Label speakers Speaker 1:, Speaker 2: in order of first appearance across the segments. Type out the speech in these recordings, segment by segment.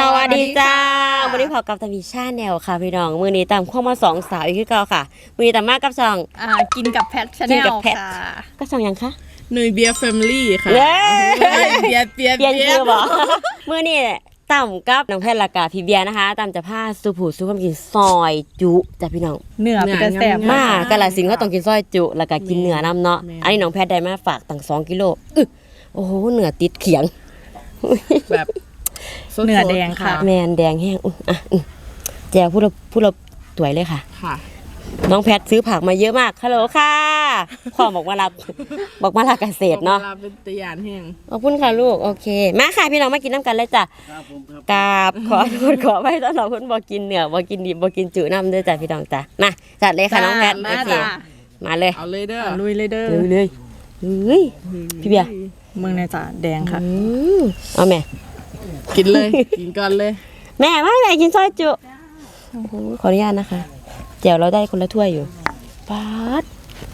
Speaker 1: วัสดีจ้าวันนี้พอกับตามีชาแนลค่ะพี่น้องมือนี้ตามข้อมาสองสาวอีกคือเก่าค่ะมือนี้ตามมากกับสอง
Speaker 2: กินกับแพทชาแนลค่ะ
Speaker 1: ก็สองยังคะ
Speaker 3: เนยเบียร์แฟมิลี่ค่ะเบียร์
Speaker 1: เปลี่ยนชื่อบอกมือนี้ต่ำกับน้องแพทย์ละกาพี่เบียร์นะคะต่ำจะผ้าสุผูสุความกินซอยจุจ้ะพี่น้อง
Speaker 2: เนื้อเป็นแซ่บ
Speaker 1: มากกะละสิงก็ต้องกินซอยจุแล้วก็กินเนื้อน้ำเนาะอันนี้น้องแพทย์ได้มาฝากตั้ง2 กิโลโอ้โหเนื้อติดเขียง
Speaker 3: แบบ
Speaker 2: เนื้อแดงค่ะ
Speaker 1: แมนแดงแห้งแจวพูดเราสวยเลยค่ะน้องแพทซื้อผักมาเยอะมากฮัลโหลค่ะพ่อบอกมารับเกษตรเนาะ
Speaker 3: เป็นตะยานแห้ง
Speaker 1: ขอบคุณค่ะลูกโอเคมาค่ะพี่น้องมากินน้ำกันเลยจ้ะกราบขอไว้ตอนเราเพิ่นบอกกินเนื้อบอกกินดิบบอกกินจืดน้ำด้วยจ้ะพี่น้องจ้ะมาจัดเลยค่ะน้องแพทโอเคมาเลย
Speaker 3: เอาเลยเด้อ
Speaker 2: ลุยเลยเด้อ
Speaker 1: เลยพี่เบียร์
Speaker 2: มึงในจ้ะแดงค่ะ
Speaker 1: เอาแม่
Speaker 3: กินเลยกินก่อนเลย
Speaker 1: แม่ไม่แม่กินซอยจุขออนุญาตนะคะแจ่วเราได้คนละถ้วยอยู่ป๊าด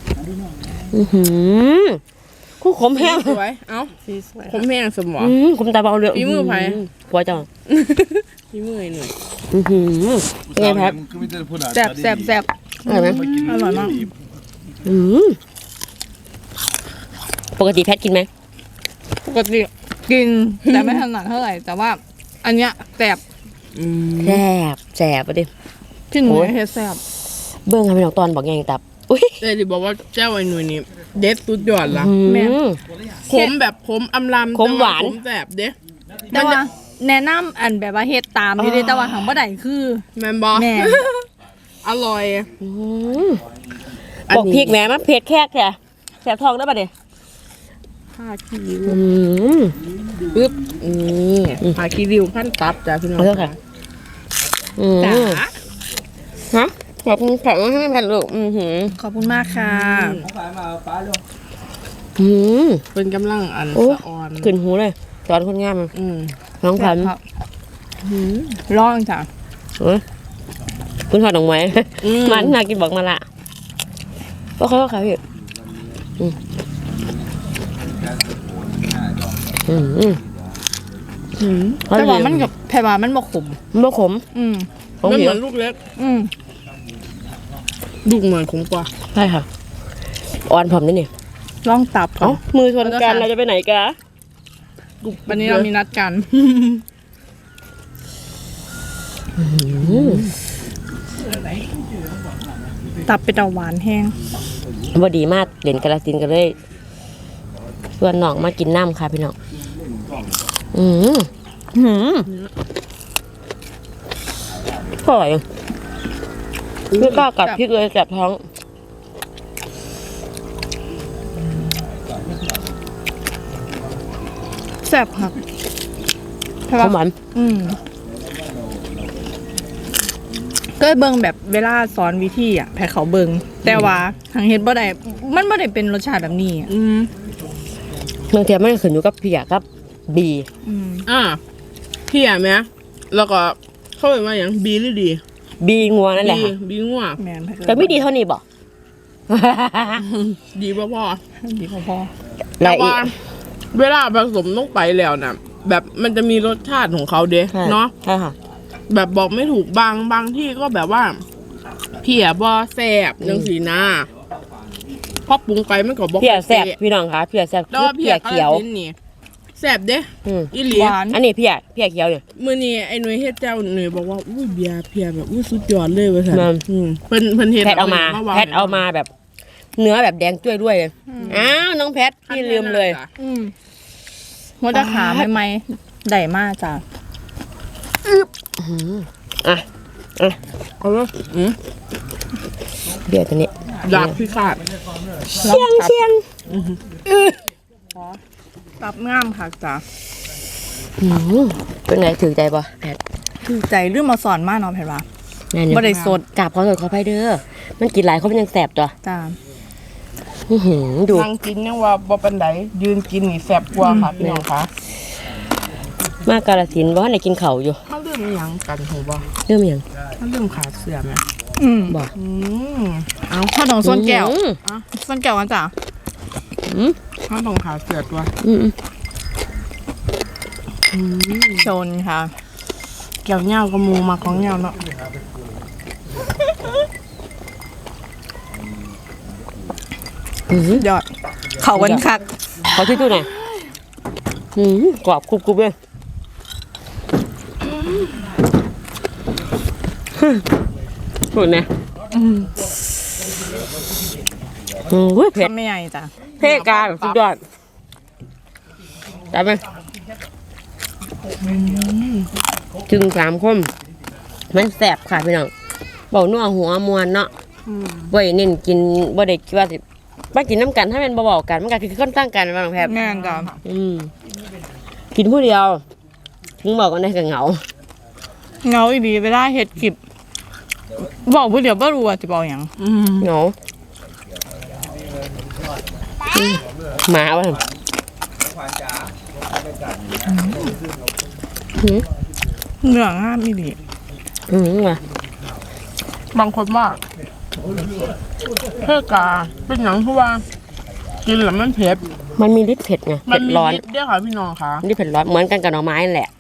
Speaker 1: คู่ขมแห้ง
Speaker 3: สวยเอ้าขมแห้งสมอง
Speaker 1: ขมตาเบาเลย
Speaker 3: ฝีมือไผ่
Speaker 1: หัวจัง
Speaker 3: ฝีมือหน่อย
Speaker 1: เป็นไงแพท
Speaker 2: แซ่บ
Speaker 1: อร่อยไหม
Speaker 2: อร่อยมาก
Speaker 1: ปกติแพทกินไหม
Speaker 2: ปกติกินแต่ไม่ถนัดเท่าไหร่แต่ว่าอันเนี้ยแซ่บ
Speaker 1: ประเดี๋ยว
Speaker 2: พี่หนูเฮ็ดแซ่บ
Speaker 1: เบิ้งค่ะพี่น้องตอนบอกยังตับ
Speaker 3: แต่ที่บอกว่าเจ้าไอ้หนุ่ยนี่เด็ดสุดยอดละ
Speaker 1: แม่
Speaker 3: ขมแบบขมอำลำ
Speaker 1: ขมหวาน
Speaker 3: ขมแซ่บเด้
Speaker 2: แต่ว่าแนะนำอันแบบว่าเฮ็ดตามที่ได้แต่ว่าทางบ่ได้คือ
Speaker 3: แม่นบ่อร่อย
Speaker 1: บอกพริกแม่มาเผ็ดแค่แสบท้องได้ป่ะเนี่ย
Speaker 3: ผ้าคีริ้วปึ๊บผ้าคีริ้วขั้นตับจ้ะพี่น้อง
Speaker 1: ค่ะจ๋าฮะขอบคุณค่ะให้แผ่นลูก
Speaker 2: ขอบคุณมากค่ะ
Speaker 3: เป็นกำลังอันสะออน
Speaker 1: ขึ้นหูเลยตอนคนงามน้องพัน
Speaker 2: ร้องจ้ะ
Speaker 1: คุณถอดออกไหมมันน่ากินบอกมาละก็เขาค่ะพี่
Speaker 2: แต่ว่ามันกับแพรว่ามันบ่ขม
Speaker 1: มันบ่ขม
Speaker 3: มันเหมือนลูกเล็กลูกเหมือนขมกว่า
Speaker 1: ใช่ค่ะอ่อนผมนี่นี่
Speaker 2: ลองตับ
Speaker 1: มือชนกันเราจะไปไหนกัน
Speaker 2: วันนี้เรามีนัดกันตับเป็นตะหวานแห้ง
Speaker 1: พอดีมากเหรียญกระสินกันเลยส่วนน้องมากินน้ำค่ะพี่น้องอร่อยไม่กล้ากัดพริกเลยแสบท้อง
Speaker 2: แซ่บค่ะ
Speaker 1: หวาน
Speaker 2: ก็เบิ่งแบบเวลาสอนวิธีแพ้เขาเบิ่งแต่ว่าทางเฮ็ดบ่ได้มันบ่ได้เป็นรสชาติแบบนี้
Speaker 1: บางทีมันขึ้นอยู่กับพี่กับบี
Speaker 3: พี่ไหมแล้วก็เข้าไปมาอย่างบีหรือดี
Speaker 1: บีงัวนั่นแหละ
Speaker 3: บีงัว
Speaker 1: แต่ไม่ดีเท่านี้บอก
Speaker 3: ดีพอ
Speaker 1: แล้วอีก
Speaker 3: เวลาผสมลงไปแล้วนะแบบมันจะมีรสชาติของเขาเด้เนาะ
Speaker 1: ใช่ค่ะ
Speaker 3: แบบบอกไม่ถูกบางที่ก็แบบว่าเพียบอแสบยังสีหน้าพอปรุงไปมันก็บอก
Speaker 1: เพียแสบพี่น้องคะเพียแสบคือเพียเขียว
Speaker 3: แสบเด้อีหลี
Speaker 1: อันนี้เพียเขียวเนี่ย
Speaker 3: มื้อนี้ไอ้หนุ่ยเฮ็ดเจ้าหนุ่ยบอกว่าอุ้ยเบียร์เพียแบบอุ้ยสุดยอดเลยว่าซั่นเพิ่นเฮ็ด
Speaker 1: แพทเอามาแบบเนื้อแบบแดงจ้วยด้วยเลยอ้าวน้องแพทพี่ลืมเลย
Speaker 2: หัวตะขาใหม่ๆได้มากจ้ะ
Speaker 3: เอาเลย
Speaker 1: เดี๋ยวตัวนี้
Speaker 3: ดาบพิฆาต
Speaker 1: เชียง
Speaker 2: ตับง่ามค่ะจ้ะ
Speaker 1: เป็นไงถือใจป่ะแพท
Speaker 2: ถือใจเรื่องมาสอนมากเนาะแพทว่าบ่ได้สด
Speaker 1: กราบขอโทษขออภัยเด้อมันกินหลายเขาเป็นยังแสบตัว
Speaker 2: จ้า
Speaker 3: ดูนั่งกินยังว่าบ่เป็นไดยืนกินนี่แสบกว่าค่ะพี่น้องคะ
Speaker 1: มากกาลสินว่าไหนกินเข่าอยู่
Speaker 3: เขาเริ่มยังกันหัวบ่
Speaker 1: เริ่มยัง
Speaker 3: เขาเริ่มขาดเสื่อมไหม
Speaker 1: บอก
Speaker 2: เอาข้าวหนองส้นแก้วส้นแก้วกันจ้ะ
Speaker 3: ข้าวหนองขาดเสื่อตัว
Speaker 2: ชนค่ะ
Speaker 3: กี่ยวเหย้ากับหมูมาของเหย้าเนาะ
Speaker 2: ยอด เขากันคัก
Speaker 1: ขอที่ตู้หน่อยกรอบกรุบๆเลยหุ่นนะเผ็ด
Speaker 2: ทำไม่ใหญ่จ้ะ
Speaker 1: เท่กาแบบสุดยอดจับไหมจึง3 คมมันแสบค่ะพี่น้องเบาหนัวหัวมวนเนาะบ่ได้เน้นกินบ่ได้คิดว่าสิมากินน้ำกันถ้าเป็นเบาๆกันมันก็คือค่อนข้างกันบางแพบ
Speaker 2: แม่นจ้ะ
Speaker 1: กินผู้เดียวถึงบอกกันได้กับเหงา
Speaker 2: เงาอีดีเวลาเฮ็ดคลิปบอกผู้เดียวบ่รู้ว่าจะบอกหยัง
Speaker 1: เหงาหมาวะ
Speaker 2: เนื้องามอีดี
Speaker 1: ว่ะ
Speaker 3: บางคนว่าเพื่อกาเป็นหยังเพราะว่ากินแล้วมันเผ็ด
Speaker 1: มันมีฤทธิ์เผ็ดไง
Speaker 3: มั
Speaker 1: เผ็ด
Speaker 3: มี
Speaker 1: ร้อน
Speaker 3: ฤทธิ์ด้วยค่ะพี่น้องค่ะ
Speaker 1: ฤทธิ์เผ็ดร้อนเหมือนกันกับหน่อไม้นั่นแหละ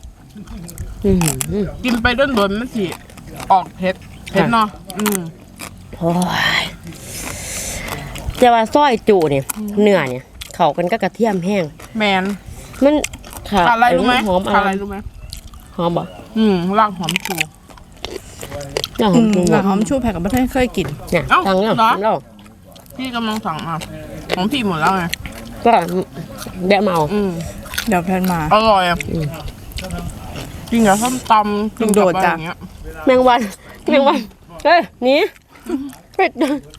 Speaker 3: กินไปด้นๆมันสิออกเผ็ดเนาะ
Speaker 1: โอ้ยจะว่าซอยจูเนี่ยเนื้อเนี่ยเขากันก็กระเทียมแห้ง
Speaker 3: แมน
Speaker 1: มันขา
Speaker 3: อะไรรู้ไหม
Speaker 1: หอม
Speaker 3: อะไรรู้ไหม
Speaker 1: หอมบ่
Speaker 3: รากหอมชู
Speaker 1: น่าหอมจริง
Speaker 2: หลังหอมชูแผ่กับไม่เคยกิน
Speaker 1: เนี่ย
Speaker 3: เอ้า
Speaker 1: ตังเนี่ย
Speaker 3: เหรอ
Speaker 1: เรา
Speaker 3: พี่กำลังสั่งมาของพี่หมดแล้วไง
Speaker 1: ก็แบะเมา
Speaker 2: เดี๋ยวแพนมา
Speaker 3: อร่อยอ่ะกินกับส้มตำกินกับอะไรอย่างเงี้ย
Speaker 1: แมงวันเฮ้ยหนีเผ็ด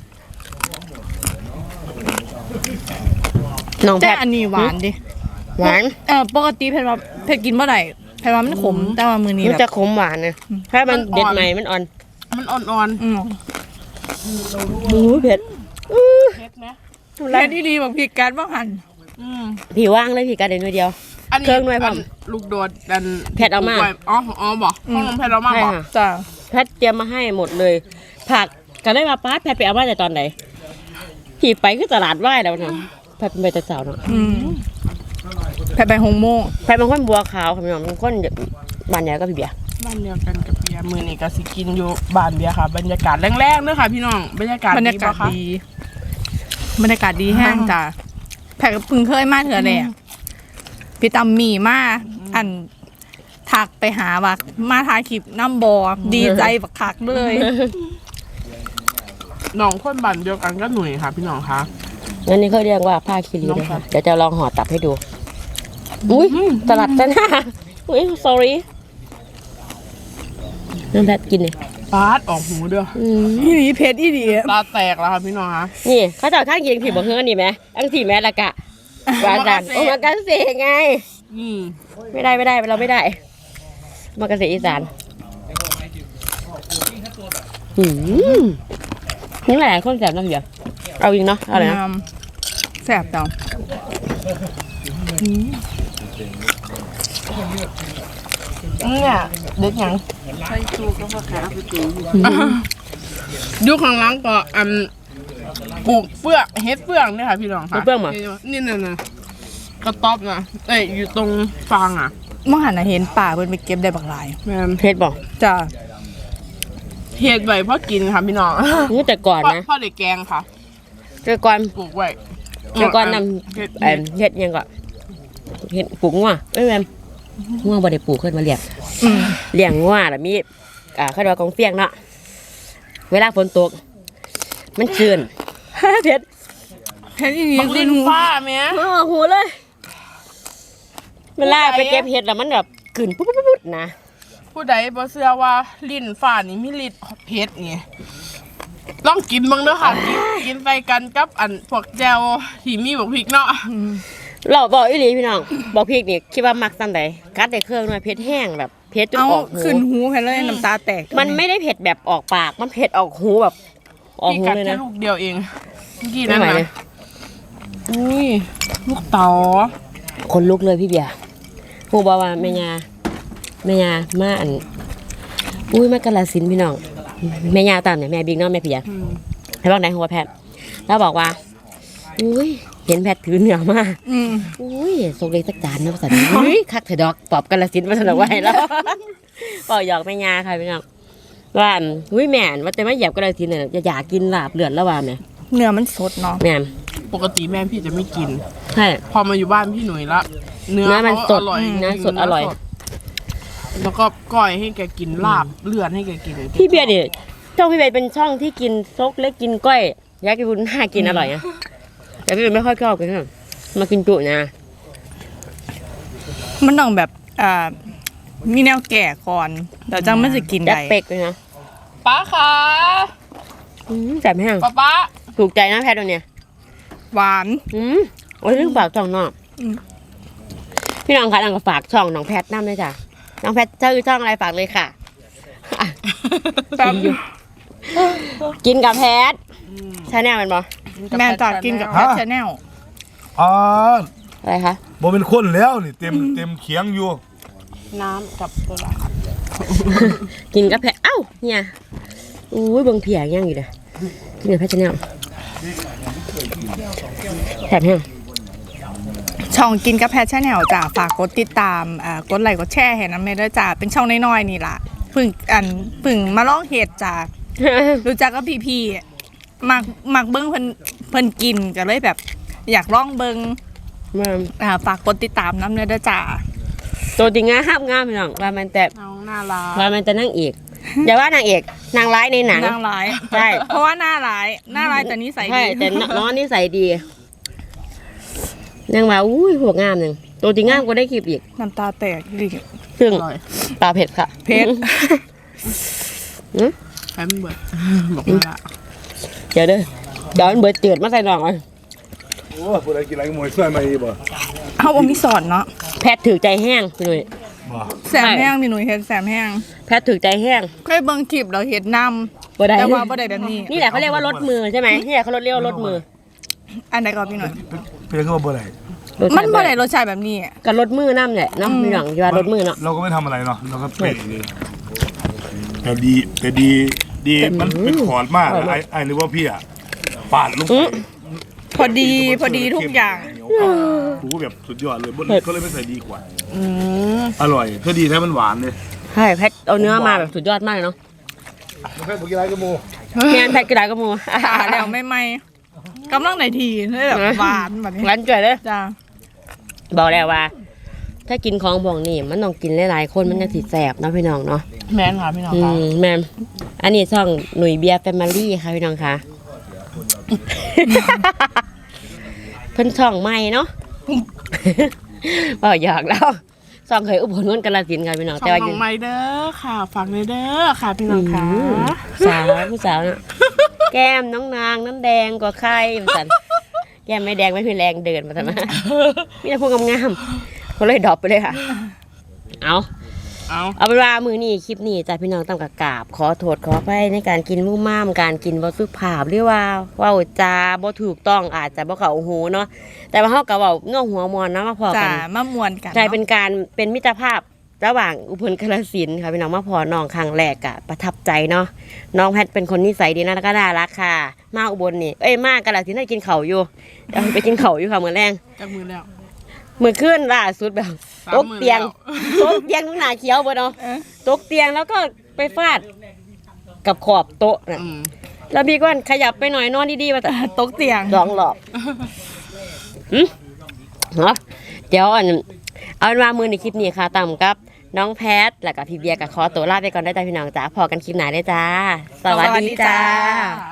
Speaker 1: น้องแพ
Speaker 2: แต่
Speaker 1: ท
Speaker 2: อันนี้หวานดิ
Speaker 1: หวาน
Speaker 2: ปกติแพนว่าแพนกินเมื่อไหร่แพนว่ามันขมแต่ว่ามือนี้
Speaker 1: มัน
Speaker 2: แบ
Speaker 1: จะ
Speaker 2: บ
Speaker 1: ขมหวานนะถ้ามันเด็ดใหม่มันอ่อน
Speaker 3: มันอ่อน
Speaker 1: หมูเผ็ด
Speaker 3: ๆเผ็ดไหม
Speaker 2: แล้ดีๆบอกพี่การบ้างหัน
Speaker 1: ผีว่างเลยผีกระเด็นเดียว
Speaker 3: อันนี้
Speaker 1: เครื่องหน่วยพร้อม
Speaker 3: ลูกโดดดัน
Speaker 1: เผ็ดเอามา
Speaker 3: อ๋อบอกห้องน้องเผ็ดเอามา
Speaker 1: ใช่
Speaker 3: บอก
Speaker 1: ค่ะ
Speaker 2: จ้ะ
Speaker 1: แพทย์เตรียมมาให้หมดเลย ผักก็ได้มาป้าแพทย์ไปเอามาแต่ตอนไหนผีไปคือตลาดไหว้แล้วนะแพทย์เป็นไปแต่สาวเนาะ
Speaker 2: แพนไปหงโมง
Speaker 1: แพทย์เป็นคนบัวขาวค่ะพี่น้องเป็นคนบ้านใหญ่ก็พี่เบียร์
Speaker 3: บ้านเดียวกันกับเบียร์มือนี่ก็สิกินอยู่บ้านเบียร์ค่ะ บรรยากาศแรงๆด้วยค่ะ พี่น้องบรรยากาศ
Speaker 2: บรรยากาศ
Speaker 3: ปะคะ
Speaker 2: ดีบรรยากาศดีแห้งจ้ะแพนก็เพิ่งเคยมาเถอะแหละพี่ตำหมี่มาอันทักไปหาว่ามาถ่ายคลิปน้ำบอดีใจบักคักเลย
Speaker 3: น้องคนบ้านเดียวกันก็หนุ่ยค่ะ พี่น้องคะ
Speaker 1: งั้นนี่เขาเรียกว่าผ้าคีรีนะคะเดี๋ยวจะลองห่อตับให้ดูอุ้ยตลาดซะหน้าอุ้ย sorry น้องแพทย์กินเลย
Speaker 3: ปาดออกหูเด้อ
Speaker 2: อีดีเพชรอีดี
Speaker 3: ตาแตกแล้วค่ะพี่น้องคะ
Speaker 1: นี่เขาจะเอาข้างยิงผีบอกเฮือนี่ไหมอังสีแม่ละกะวาจันโอ้มากาเสไง ไม่ได้เราไม่ได้มากาเสอีสานนี่หลายคนแสบน้ำเดียวเอาอีกเนาะเอาเลยนะ
Speaker 2: แสบจัง
Speaker 3: เนี่ยเด็กยังยุคข้างหล่างก็ปลูกเฟือกเฮ็ดเฟืองเนี่ยค่ะพี่น้องค่ะนี่น่ะกระต๊อบนะอยู่ตรงฟางอ่ะ
Speaker 2: เมื่อหันน่ะเห็นป่าเพิ่นไปเก็บได้บักหลาย
Speaker 3: แม่น
Speaker 1: เพชรบอก
Speaker 2: จ้ะ
Speaker 3: เฮ็ดไว้เพราะกินค่ะพี่น้อง
Speaker 1: นี่แต่ก่อนนะ
Speaker 3: พ่อเด็กแกงค่ะ
Speaker 1: แต่ก่อน
Speaker 3: ปลูกไว้
Speaker 1: แต่ก่อนน
Speaker 3: เฮ็ด
Speaker 1: ำเฮ็ดยังก่อนเฮ็ดปลูกงัวไม่แม่นงัวบ่ได้ปลูกขึ้นมาเลี้ยงเลี้ยงงัวแล้วมีเขาเรียกว่ากองเฟียงเนาะเวลาฝนตกมันชื้น เพชร
Speaker 2: เพชรอีดี
Speaker 3: บักลิ้นฟ้าแม่
Speaker 1: อ๋อหูเลยเวลาไปเก็บเห็ดแล้วมันแบบกลืนปุ๊บๆๆนะ
Speaker 3: ผู้ใดบ่เชื่อว่าลิ้นฟ้านี่มีฤทธิ์เผ็ดนี่ลองกินบ้างเด้อค่ะกินไปกันกับพวกแจวที่มีบักพริกเนาะ
Speaker 1: เราบอกอีหลีพี่น้องบอกพริกนี่คิดว่ามักซ้ำใดกัดได้เครื่องหน่อยเผ็ดแห้งแบบเผ็ดจน
Speaker 2: เอา
Speaker 1: ออกหู
Speaker 2: ขึ้นหูแพนเลยน้ำตาแตก
Speaker 1: มันไม่ได้เผ็ดแบบออกปากมันเผ็ดออกหูแบบออก
Speaker 3: พี่
Speaker 1: หู
Speaker 3: กัด
Speaker 1: เลย
Speaker 3: แค่
Speaker 1: นะ
Speaker 3: ลูกเดียวเองเมื่อกี้
Speaker 1: ไม่
Speaker 3: นั่น
Speaker 1: ไหว
Speaker 3: นะ
Speaker 1: เลย
Speaker 3: อุ้ยลูกเต๋า
Speaker 1: คนลุกเลยพี่เบียร์ผู้บอกว่าแม่ยามาอุ้ยมากาฬสินธุ์พี่น้องแม่ยาตามเนี่ยแม่บิ๊กเน้องแม่เพียให้บอกไหนหัวแพทย์แล้วบอกว่าอุ้ยเห็นแพทถือเนื้อมา
Speaker 2: อืม
Speaker 1: อุ้ยส่งเลยสักจานนะภาษาไทยอุ้ยคักเถอะดอกปอบกาฬสินธุ์มาสนองไว้แล้วปอหยอกแม่ยาค่ะพี่น้องว่าอุ้ยแม่นว่าแต่ไม่เหยียบกาฬสินธุ์เนี่ยอยากกินลาบเลือดแล้วว่าแม่
Speaker 2: เนื้อมันสดเนาะ
Speaker 1: แม่น
Speaker 3: ปกติแม่พี่จะไม่กิน
Speaker 1: ใช่
Speaker 3: พอมาอยู่บ้านพี่หนุ่ยละเนื้อ
Speaker 1: เนื้อมัน
Speaker 3: เขา
Speaker 1: สด
Speaker 3: อร่อย
Speaker 1: เนื้อสดอร่อย
Speaker 3: แล้วก็ก้อยให้แกกินลาบเลือดให้แกกิน
Speaker 1: พี่เบียร์ดิช่องพี่เบียร์เป็นช่องที่กินซกเล็กกินก้อยอยากกินบุญน่ากินอร่อยนะแต่พี่เบียร์ไม่ค่อยชอบกินนะมากินจุนะ
Speaker 2: มันต้องแบบมีแนวแก่ก่อนแต่จังไม่จะกิน
Speaker 1: แจ็ค
Speaker 2: ได้
Speaker 1: เป็กเลยนะ
Speaker 3: ป้าคะ
Speaker 1: แซ่บแห้ง
Speaker 3: ป้า
Speaker 1: ถูกใจนะแพทย์ตัวเนี้ย
Speaker 2: หวาน
Speaker 1: โอ้ยเรื่องฝากช่องน้อง
Speaker 2: อืม
Speaker 1: พี่น้องคะน้องก็ฝากช่องน้องแพทย์น้ำเลยจ้ะน้องแพทย์ชื่อช่องอะไรฝากเลยค่ะอ่ะ
Speaker 2: แบบ
Speaker 1: กินกับแพทย์ใช่แน่มันบอ
Speaker 2: แม่จากกินกับแพทชาแนล
Speaker 4: อ๋อ
Speaker 1: อะไรคะ
Speaker 4: บ่เป็นคนแล้วนี่เต็มเขียงอยู่
Speaker 3: น้ำกับโซดา
Speaker 1: กินกับแพทย์เอ้าเนี่ยอุ้ยเบิ่งเพียยังอยู่เลยกินกับแพทย์ชาแนลแซ่บแห้ง
Speaker 2: ช่องกินกับแพทชาแนลจ้ะฝากกดติดตามกดไลค์กดแชร์ให้น้ำเมด้วยจ้ะเป็นช่องน้อยๆนี่ล่ะเพึ่งมาลองเห็ดจ้ะรู้จักกับพี่ๆมักเบิ้งเพิ่นกินก็เลยแบบ อยากลองเบิ้ง
Speaker 1: มา
Speaker 2: ฝากกดติดตามน้ำเนื้อด้วยจ้ะ
Speaker 1: ตัวจริงงามงามพี่น้องว่ามันแต่
Speaker 3: น้องน่ารัก
Speaker 1: ว่ามันจะนั่งเอกอย่าว่านางเอกนางร้ายในหนัง
Speaker 2: นางร้าย
Speaker 1: ใช่
Speaker 2: เพราะว่าหน้าร้ายแต่นิสัย
Speaker 1: ใช่
Speaker 2: ดี
Speaker 1: แต่น้องนิสัยดีนางว่าอุ้ยหัวงามหนึ่งตัวจริงงามก็ได้คลิปอีก
Speaker 2: น้ำตาแตกดิ
Speaker 1: ซึ่ง
Speaker 3: อร่อย
Speaker 1: ปลาเผ็ดค่ะ
Speaker 2: เผ็ด
Speaker 3: แป๊บเบิดบอกมาละ
Speaker 1: เดี๋ยวมันเบิดเจือดมาใส่หน่องเลย
Speaker 4: โอ้ผู้ใดกินอะไรก็มวยช่วยมาอีบ่
Speaker 2: เอาบ่มีสอนเนาะ
Speaker 1: แพทย์ถือใจแห้งพี่หนุ่ย
Speaker 4: บ่
Speaker 2: แสมแห้งนี่หนูเห็นแสมแห้ง
Speaker 1: แพทย์ถือใจแห้ง
Speaker 2: เคยเบิ่งคลิปเราเห็นน
Speaker 1: บ่ได้
Speaker 2: ำแต่ว่าบ่ได้แบบนี้
Speaker 1: นี่แหละเขาเรียกว่ารถมือใช่ไหมนี่แหละเขาเรียกว่ารถมือ
Speaker 2: อันไหนก่อนพี่หน่อย
Speaker 4: เป็นก็บ่ได้
Speaker 1: รถ
Speaker 2: มันบ่ได้รสชาติแบบนี้
Speaker 1: กับรถมือน้ำแหละเนาะมีหลังอยู่ว่ารถมือเนาะ
Speaker 4: เราก็ไม่ทำอะไรเนาะเราก็เป๊ะเลยแต่ดีมันเป็นขอดมากไอ้นึกว่าพี่อ่ะปาดลงไป
Speaker 2: พอดีทุกอย่าง
Speaker 4: กูแบบสุดยอดเลยก็เลยไม่ใส่ดีกว่า
Speaker 3: อืม
Speaker 4: อร่อยก็ดีแท้มันหวานเลย
Speaker 1: ใช่แพทย์เอาเนื้อมาแบบสุดยอดมากเลยเนาะ
Speaker 4: แค่บ่กินอะไรก็โม
Speaker 1: งานแพทย์กระดาษกระมู
Speaker 2: แล้วไม่กำลังในทีเลยแบบหวานแบบนี้
Speaker 1: ร้านจ่อยเลย
Speaker 2: จ้า
Speaker 1: บอกแล้วว่า ถ้ากินของบ่วงนี่มันต้องกินหลายๆคนมันจะสิแสบเนาะพี่น้องเนาะ
Speaker 3: แม่นค่ะพี่น้องค่ะ
Speaker 1: แม่มอันนี้ช่องหนุ่ยเบียร์แฟมิลี่ค่ะพี่น้องค่ะ เพิ่นช่องใหม่เนาะ บอกหยอกแล้วช่องเคยอุบลนนท์กาฬสินธุ์ค่ะพี่น้อง
Speaker 3: ช่
Speaker 1: แต่
Speaker 3: อง
Speaker 1: ว่า
Speaker 3: น้องไมเด้อค่ะฝากเลยเด้อค่ะพี่น้องค่ะ
Speaker 1: สาวผู้สาวเนาะแก้มน้องนางน้ำแดงกว่าใครมาสันแก้มไม่แดงไม่มีแรงเดินมาทำไมมีแต่พวกงามๆเขาเลยดรอปไปเลยค่ะ เอาเป็นว่ามือนี่คลิปนี้จ้ะพี่น้องต้องกราบขอโทษขออภัยในการกินมุ่งม่ามการกินบ่สุภาพหรือว่าเว้าจาบ่ถูกต้องอาจจะบ่เข้าหูเนาะแต่ว่าเฮาก็เว้าเงาหัวมอนนะมาพอ
Speaker 2: จ้า
Speaker 1: กัน
Speaker 2: มามวนกัน
Speaker 1: ใช่เป็นการเป็นมิตรภาพระหว่างอุบลกาฬสินธุ์ค่ะพี่น้องมาพอน้องครั้งแรกอะประทับใจเนาะน้องแพทเป็นคนนิสัยดีนะแล้วก็น่ารักค่ะมาอุบลนี่มากาฬสินธุ์ให้กินข้าวอยู่เดี๋ยวไปกินข้าวอยู่ค่ะมื้อแรง
Speaker 3: จักมือแล้ว
Speaker 1: มื้อคืนล่าสุดแบบ
Speaker 3: 3
Speaker 1: ตกเตียงตกเตียงทุกหน้าเขียวเบิดเนาะ ตกเตียงแล้วก็ไปฟาดกับขอบโต๊ะนะ
Speaker 3: อืม
Speaker 1: แล้วพี่ก็ขยับไปหน่อยนอนดีๆมาแต่
Speaker 2: ตกเตียง
Speaker 1: สองหลอกเหรอเดี๋ยวเอาเป็นว่ามือในคลิปนี้ค่ะต่ำกับน้องแพทแล้วก็พี่เบียร์กับขอตัวลาไปก่อนได้จ้าพี่น้องจ้าพอกันคลิปไหนได้จ้า สวัสดีจ้า
Speaker 3: ค่ะ